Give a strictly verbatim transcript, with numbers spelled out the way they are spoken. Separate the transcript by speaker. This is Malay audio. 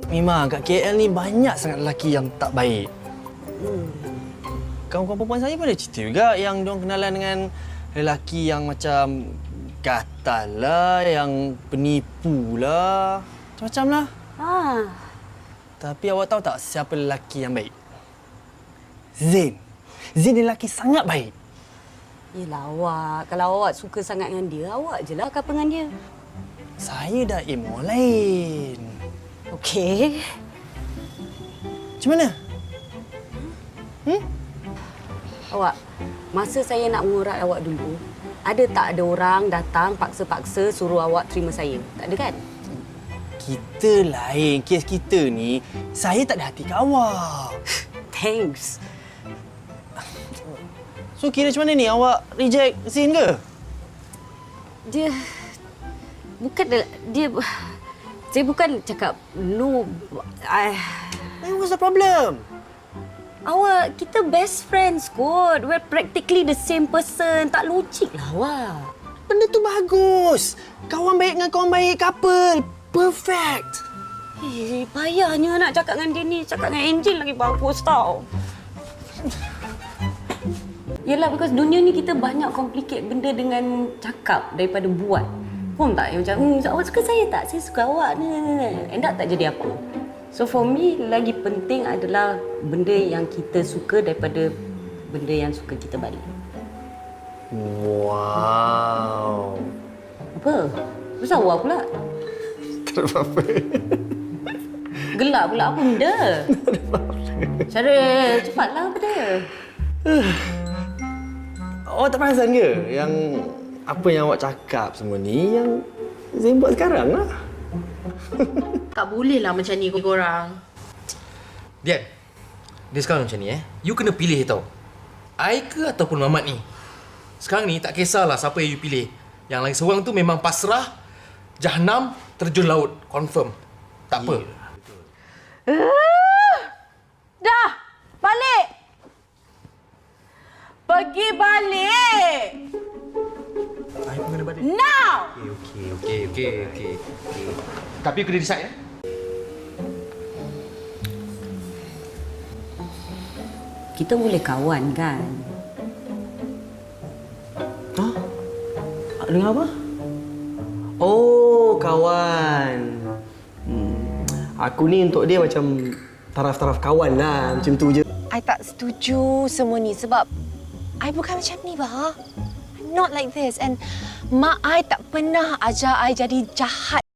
Speaker 1: Memang kat K L ni banyak sangat lelaki yang tak baik.
Speaker 2: Hmm.
Speaker 1: Kawan-kawan perempuan saya pun ada cerita juga yang diorang kenalan dengan lelaki yang macam gatal lah, yang penipu lah. Macam-macam lah.
Speaker 2: Ah.
Speaker 1: Tapi awak tahu tak siapa lelaki yang baik? Zain. Zain ni lelaki sangat baik.
Speaker 2: Yelah awak, kalau awak suka sangat dengan dia, awak je lah couple dengan dia.
Speaker 1: Saya dah aim orang lain.
Speaker 2: Okey.
Speaker 1: Macam mana? Hmm?
Speaker 2: Awak, masa saya nak mengurat awak dulu, ada tak ada orang datang paksa-paksa suruh awak terima saya? Tak ada kan?
Speaker 1: Kita lain. Kes kita ni, saya tak ada hati kat awak.
Speaker 2: Thanks.
Speaker 1: So kira macam mana ni? Awak reject Zain ke?
Speaker 2: Dia... Bukan... Dia... Saya bukan cakap no... I...
Speaker 1: Then what's the problem?
Speaker 2: Awak, kita best friends kot. We're practically the same person. Tak logik lah awak.
Speaker 1: Benda tu bagus. Kawan baik dengan kawan baik, couple. Perfect.
Speaker 2: Eh, payahnya nak cakap dengan dia ni. Cakap dengan Angel lagi bagus tau. Yelah, because dunia ni kita banyak complicate benda dengan cakap daripada buat. Faham tak? Yang macam, hmm, awak suka saya tak? Saya suka awak. End up tak jadi apa. So for me, lagi penting adalah benda yang kita suka daripada benda yang suka kita balik.
Speaker 1: Wow.
Speaker 2: Apa? Besar awak pula.
Speaker 1: Tak ada apa-apa.
Speaker 2: Gelap pula apa benda? Cara cepatlah benda.
Speaker 1: Awak tak perasan ke yang apa yang awak cakap semua ni yang Zain buat sekarang lah?
Speaker 3: Tak boleh lah macam ni korang.
Speaker 4: Dian, dia sekarang macam ni eh. You kena pilih tau. I ke ataupun Mamat ni. Sekarang ni tak kisahlah siapa yang you pilih. Yang lagi seorang tu memang pasrah, jahanam, terjun laut. Confirm. Tak apa.
Speaker 3: Uh, dah! Balik! Pergi balik!
Speaker 4: I pun kena balik.
Speaker 3: Now!
Speaker 4: Okey, okey, okey, okey. Okey. Tapi you kena decide eh.
Speaker 2: Kita boleh kawan kan?
Speaker 1: Hah? Dengan apa? Oh, kawan. Hmm. Aku ni untuk dia macam taraf-taraf kawan lah. Macam tu je.
Speaker 5: I tak setuju semua ni sebab I bukan macam ni, bah. I'm not like this. And mak I tak pernah ajar I jadi jahat